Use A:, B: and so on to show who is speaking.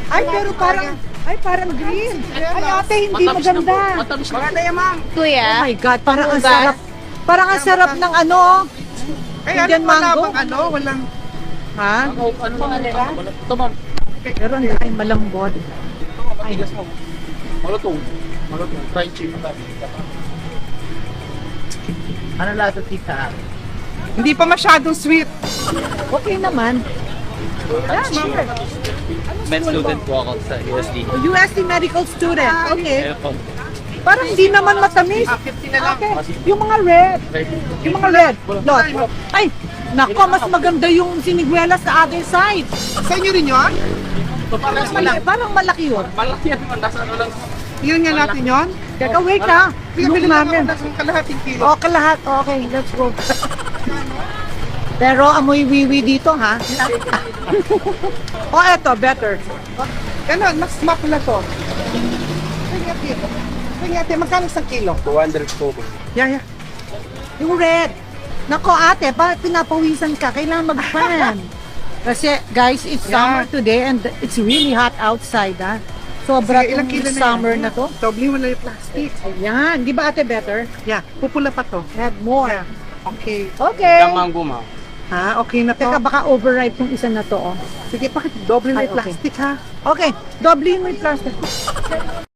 A: Ay, pero parang green. Ay, ate, hindi maganda.
B: Matamis na.
C: Maganda yan, ma'am.
A: Oh
D: Kuya,
A: my God, parang ang
D: Diba?
A: sarap. Parang ang sarap ng ano.
C: Kaya
A: Indian mango.
C: Walang...
A: Ha?
B: Ano ba? Ito ma'am.
A: Pero ay malambot. Ay,
B: Malutong. Malutong. Fried chicken. Ano lasa tita?
C: Hindi pa masyadong sweet.
A: okay naman. Yeah, sure.
B: Med student po ako sa USD.
A: USD medical student. Okay.
B: Ayun po.
A: Parang hindi naman matamis.
C: 50 na lang.
A: Okay. Yung mga red. Yung mga red. Lot. Ay, nako, mas maganda yung siniguela sa other side.
C: Sa inyo rin yun?
A: Parang malaki yun.
B: Malaki yan man. Nasa ano lang.
C: Yun nga natin yun?
A: Teka, wait ha.
C: Bili
A: Look
C: lang ako
A: namin.
C: ng kalahating kilo.
A: O, kalahat. Okay, let's go. Pero amoy wiwi dito, ha? Eto, better.
C: Ganon, mas mapula to. Sige ate, magkano isang kilo?
B: 200 po.
C: Yeah.
A: Yung red. Nako, ate, pinapawisan ka. Kailangan mag-fan. Kasi, guys, it's summer today and it's really hot outside, ha? Sobra
C: Sige, ilang
A: yung
C: kilo na
A: summer
C: yan?
A: na to.
C: Doble mo na yung plastic.
A: Ayan. Di ba, ate, better?
C: Yeah, pupula pa to.
A: Add more.
C: Yeah. Okay.
A: Okay.
B: Yung mango ma'am.
C: Ha, okay na to.
A: Teka, baka overripe yung isa na to, oh.
C: Sige, bakit doble na
A: Ay,
C: yung
A: okay.
C: plastic ha?
A: Okay, doble mo yung plastic.